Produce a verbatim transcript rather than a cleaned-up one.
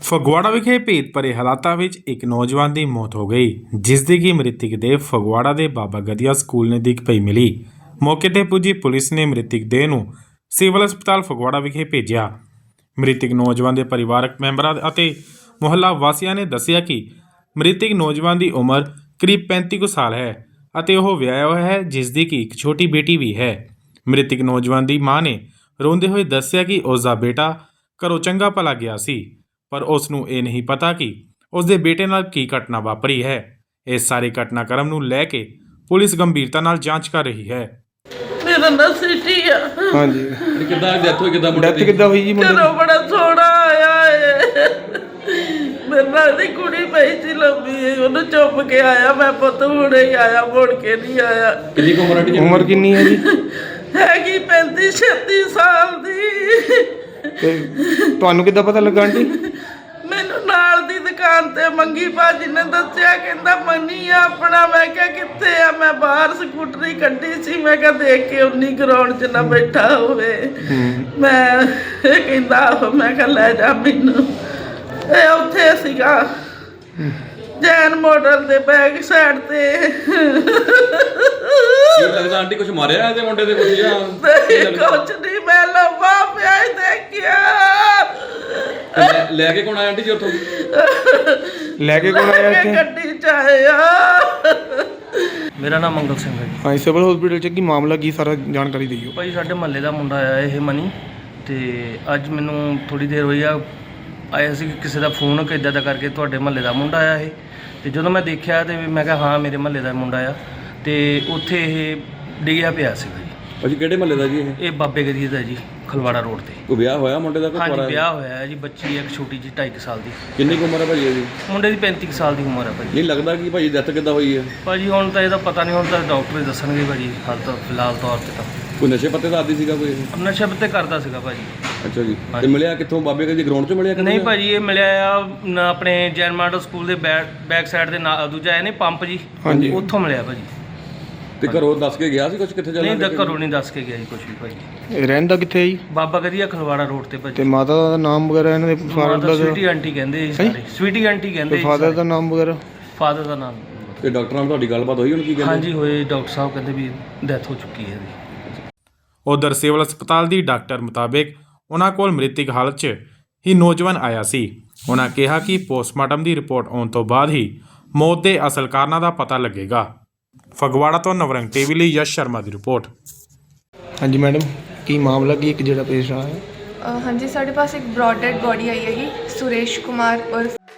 ਫਗਵਾੜਾ ਵਿਖੇ ਭੇਤ ਭਰੇ ਹਾਲਾਤਾਂ ਵਿੱਚ ਇੱਕ ਨੌਜਵਾਨ ਦੀ ਮੌਤ ਹੋ ਗਈ, ਜਿਸ ਦੀ ਕਿ ਮ੍ਰਿਤਕ ਦੇਹ ਫਗਵਾੜਾ ਦੇ ਬਾਬਾ ਗਦੀਆ ਸਕੂਲ ਨਜ਼ਦੀਕ ਪਈ ਮਿਲੀ। ਮੌਕੇ ਤੇ ਪੁੱਜੀ ਪੁਲਿਸ ਨੇ ਮ੍ਰਿਤਕ ਦੇਹ ਨੂੰ ਸਿਵਲ ਹਸਪਤਾਲ ਫਗਵਾੜਾ ਵਿਖੇ ਭੇਜਿਆ। ਮ੍ਰਿਤਕ ਨੌਜਵਾਨ ਦੇ ਪਰਿਵਾਰਕ ਮੈਂਬਰਾਂ ਅਤੇ ਮੁਹੱਲਾ ਵਾਸੀਆਂ ਨੇ ਦੱਸਿਆ ਕਿ ਮ੍ਰਿਤਕ ਨੌਜਵਾਨ ਦੀ ਉਮਰ ਕਰੀਬ ਪੈਂਤੀ ਕੁ ਸਾਲ ਹੈ ਅਤੇ ਉਹ ਵਿਆਹਿਆ ਹੋਇਆ ਹੈ, ਜਿਸ ਦੀ ਕਿ ਇੱਕ ਛੋਟੀ ਬੇਟੀ ਵੀ ਹੈ। ਮ੍ਰਿਤਕ ਨੌਜਵਾਨ ਦੀ ਮਾਂ ਨੇ ਰੋਂਦੇ ਹੋਏ ਦੱਸਿਆ ਕਿ ਉਸ ਦਾ ਬੇਟਾ ਘਰੋਂ ਚੰਗਾ ਭਲਾ ਗਿਆ ਸੀ, ਪਰ ਉਸ ਨੂੰ ਇਹ ਨਹੀਂ ਪਤਾ ਕਿ ਉਸ ਦੇ ਬੇਟੇ ਨਾਲ ਕੀ ਘਟਨਾ ਵਾਪਰੀ ਹੈ। ਇਸ ਸਾਰੇ ਘਟਨਾਕ੍ਰਮ ਨੂੰ ਲੈ ਕੇ ਪੁਲਿਸ ਗੰਭੀਰਤਾ ਨਾਲ ਜਾਂਚ ਕਰ ਰਹੀ ਹੈ। ਮੇਰਾ ਨਾਂ ਸਿਟੀ ਆ। ਹਾਂਜੀ ਕਿੱਦਾਂ ਡੈਥ ਹੋਈ? ਕਿੱਦਾਂ ਮੁੰਡੇ ਡੈਥ ਕਿੱਦਾਂ ਹੋਈ ਜੀ ਮੁੰਡੇ ਘਰੋਂ ਬੜਾ ਸੋਹਣਾ ਆਇਆ ਏ। ਮੇਰੇ ਨਾਲ ਦੀ ਕੁੜੀ ਪਈ ਸੀ ਲੰਬੀ, ਉਹਨੂੰ ਚੁੱਪ ਕੇ ਆਇਆ। ਮੈਂ ਪੁੱਤ ਹੁਣੇ ਹੀ ਆਇਆ, ਮੁੜ ਕੇ ਨਹੀਂ ਆਇਆ। ਕਿੰਨੀ ਕੁ ਉਮਰ ਆਂਟੀ ਜੀ? ਉਮਰ ਕਿੰਨੀ ਹੈ ਜੀ? ਹੈਗੀ ਪੈਂਤੀ ਛੱਤੀ ਸਾਲ ਦੀ। ਤੇ ਤੁਹਾਨੂੰ ਕਿੱਦਾਂ ਪਤਾ ਲੱਗਾ ਆਂਟੀ? ਮੈਨੂੰ ਨਾਲ ਦੀ ਦੁਕਾਨ ਤੇ ਮੰਗੀ ਭਾਜੀ ਨੇ ਦੱਸਿਆ, ਕਹਿੰਦਾ ਮੰਨੀ ਆ ਆਪਣਾ। ਮੈਂ ਕਿਹਾ ਕਿੱਥੇ ਆ? ਮੈਂ ਬਾਹਰ ਸਕੂਟਰੀ ਕੱਢੀ ਸੀ, ਮੈਂ ਕਿਹਾ ਦੇਖ ਕੇ ਉਨੀ ਗਰਾਊਂਡ 'ਚ ਨਾ ਬੈਠਾ ਹੋਵੇ। ਮੈਂ ਇਹ ਕਹਿੰਦਾ ਆਹੋ। ਮੈਂ ਕਿਹਾ ਲੈ ਜਾ ਮੈਨੂੰ। ਇਹ ਉੱਥੇ ਸੀਗਾ ਜੈਨ ਮਾਡਲ ਦੇ ਬੈਕ ਸਾਈਡ ਤੇ। ਕੀ ਲੱਗਦਾ ਆਂਟੀ ਕੁਝ ਮਾਰਿਆ ਇਹਦੇ ਮੁੰਡੇ ਦੇ ਕੁਝ ਜਾਂ ਕੁਛ ਨਹੀਂ, ਮੈਂ ਲੰਬਾ ਪਿਆ ਹੀ ਦੇਖਿਆ। ਲੈ- ਲੈ ਕੇ ਕੌਣ ਆਇਆ ਆਂਟੀ ਜੀ ਉੱਥੋਂ? ਲੈ ਕੇ ਕੌਣ ਆਇਆ ਇੱਥੇ? ਗੱਡੀ 'ਚ ਆਇਆ। ਮੇਰਾ ਨਾਮ ਮੰਗਲ ਸਿੰਘ ਹੈ ਜੀ। ਹਾਂ, ਸਿਵਲ ਹਸਪੀਟਲ 'ਚ ਕੀ ਮਾਮਲਾ ਕੀ ਸਾਰਾ ਜਾਣਕਾਰੀ ਦਿਓ। ਭਾਈ ਸਾਡੇ ਮਹੱਲੇ ਦਾ ਮੁੰਡਾ ਆਇਆ ਇਹ ਮਨੀ, ਤੇ ਅੱਜ ਮੈਨੂੰ ਥੋੜੀ ਦੇਰ ਹੋਈ ਆ ਆਇਆ ਸੀ ਕਿਸੇ ਦਾ ਫੋਨ ਕਿ ਇੱਦਾਂ ਦਾ ਕਰਕੇ ਤੁਹਾਡੇ ਮਹੱਲੇ ਦਾ ਮੁੰਡਾ ਆਇਆ ਇਹ। ਤੇ ਜਦੋਂ ਮੈਂ ਦੇਖਿਆ ਤੇ ਮੈਂ ਕਿਹਾ ਹਾਂ ਮੇਰੇ ਮਹੱਲੇ ਦਾ ਮੁੰਡਾ ਆ। ਤੇ ਉੱਥੇ ਇਹ ਡਿੱਗਿਆ ਪਿਆ ਸੀਗਾ ਜੀ। ਭਾਜੀ ਕਿਹੜੇ ਮਹੱਲੇ ਦਾ ਜੀ ਇਹ? ਇਹ ਬਾਬੇ ਗਦੀਏ ਦਾ ਜੀ, ਖਲਵਾੜਾ ਰੋਡ ਤੇ। ਕੋਈ ਵਿਆਹ ਹੋਇਆ ਮੁੰਡੇ ਦਾ? ਕੋਈ ਹਾਂਜੀ ਕੁਆਰਾ? ਵਿਆਹ ਹੋਇਆ ਹੈ ਜੀ। ਬੱਚੀ ਇੱਕ ਛੋਟੀ ਜਿਹੀ ਢਾਈ ਕੁ ਸਾਲ ਦੀ। ਕਿੰਨੀ ਕੁ ਉਮਰ ਹੈ ਭਾਜੀ ਇਹਦੀ? ਮੁੰਡੇ ਦੀ ਪੈਂਤੀ ਕੁ ਸਾਲ ਦੀ ਉਮਰ ਹੈ ਭਾਜੀ। ਨਹੀਂ ਲੱਗਦਾ ਕਿ ਭਾਜੀ ਡੈਥ ਕਿੱਦਾਂ ਹੋਈ ਹੈ? ਭਾਜੀ ਹੁਣ ਤਾਂ ਇਹਦਾ ਪਤਾ ਨਹੀਂ, ਹੁਣ ਤਾਂ ਡਾਕਟਰ ਹੀ ਦੱਸਣਗੇ ਭਾਜੀ। ਹਾਲ ਤਾਂ ਫਿਲਹਾਲ ਤੌਰ ਤੇ ਤਾਂ ਕੋਈ ਨਸ਼ੇ ਪੱਤੇ ਦਾ ਆਦੀ ਸੀਗਾ ਕੋਈ ਇਹ? ਨਸ਼ੇ ਪੱਤੇ ਕਰਦਾ ਸੀਗਾ ਭਾਜੀ। ਅੱਛਾ ਜੀ। ਤੇ ਮਿਲਿਆ ਕਿੱਥੋਂ? ਬਾਬੇ ਗਦੀਏ ਗਰਾਊਂਡ 'ਚ ਮਿਲਿਆ? ਨਹੀਂ ਭਾਜੀ, ਇਹ ਮਿਲਿਆ ਆ ਨ- ਆਪਣੇ ਜੈਨ ਮਾਡਲ ਸਕੂਲ ਦੇ ਬੈਕ ਬੈਕ ਸਾਈਡ ਦੇ ਨਾਲ ਦੂਜਾ ਹੈ ਨਹੀਂ ਪੰਪ ਜੀ, ਹਾਂਜੀ। ਉੱਥੋਂ ਮਿਲਿਆ ਭਾਜੀ। ਤੇ ਘਰੋਂ ਦੱਸ ਕੇ ਗਿਆ ਸੀ ਕੁਝ? ਕਿੱਥੇ ਚੱਲਣਾ? ਨਹੀਂ ਦ ਘਰੋਂ ਨਹੀਂ ਦੱਸ ਕੇ ਗਿਆ ਜੀ ਕੁਝ ਵੀ ਭਾਜੀ। ਇਹ ਰਹਿੰਦਾ ਕਿੱਥੇ ਹੈ ਜੀ? ਬਾਬਾ ਗਦੀਆ ਖਲਵਾੜਾ ਰੋਡ ਤੇ ਤੇ ਭਾਜੀ। ਮਾਤਾ ਦਾ ਨਾਮ ਵਗੈਰਾ ਇਹਨਾਂ ਦੇ ਫਾਦਰ ਮਾਤਾ ਦਾ? ਸਵੀਟੀ ਆਂਟੀ ਕਹਿੰਦੇ ਜੀ ਸਾਰੇ। ਸਵੀਟੀ ਆਂਟੀ ਕਹਿੰਦੇ ਤੇ ਜੀ ਫਾਦਰ ਸਾਰੇ। ਦਾ ਨਾਮ ਵਗੈਰਾ? ਫਾਦਰ ਦਾ ਨਾਮ ਤੇ ਡਾਕਟਰ ਨਾਲ ਤੁਹਾਡੀ ਗੱਲਬਾਤ ਹੋਈ? ਹੁਣ ਕੀ ਕਹਿੰਦੇ? ਹਾਂਜੀ ਹੋਏ, ਡਾਕਟਰ ਸਾਹਿਬ ਕਹਿੰਦੇ ਵੀ ਡੈਥ ਹੋ ਚੁੱਕੀ ਹੈ ਇਹਦੀ। ਉਧਰ ਸਿਵਲ ਹਸਪਤਾਲ ਦੀ ਡਾਕਟਰ ਮੁਤਾਬਿਕ ਉਹਨਾਂ ਕੋਲ ਮ੍ਰਿਤਕ ਹਾਲਤ 'ਚ ਹੀ ਨੌਜਵਾਨ ਆਇਆ ਸੀ। ਉਹਨਾਂ ਕਿਹਾ ਕਿ ਪੋਸਟਮਾਰਟਮ ਦੀ ਰਿਪੋਰਟ ਆਉਣ ਤੋਂ ਬਾਅਦ ਹੀ ਮੌਤ ਦੇ ਅਸਲ ਕਾਰਨਾਂ ਦਾ ਪਤਾ ਲੱਗੇਗਾ। ਫਗਵਾੜਾ ਤੋਂ ਨਵਰੰਗ ਟੀਵੀ ਲਈ ਯਸ਼ ਸ਼ਰਮਾ ਦੀ ਰਿਪੋਰਟ। ਹਾਂਜੀ ਮੈਡਮ, ਕੀ ਮਾਮਲਾ ਕੀ ਇੱਕ ਜਿਹੜਾ ਪੇਸ਼ ਆਇਆ ਹੈ? ਅ, ਹਾਂਜੀ, ਸਾਡੇ ਪਾਸ ਇੱਕ ਬ੍ਰੌਡ ਡੈਡ ਬੋਡੀ ਆਈ ਹੈਗੀ। ਸੁਰੇਸ਼ ਕੁਮਾਰ ਉਰਫ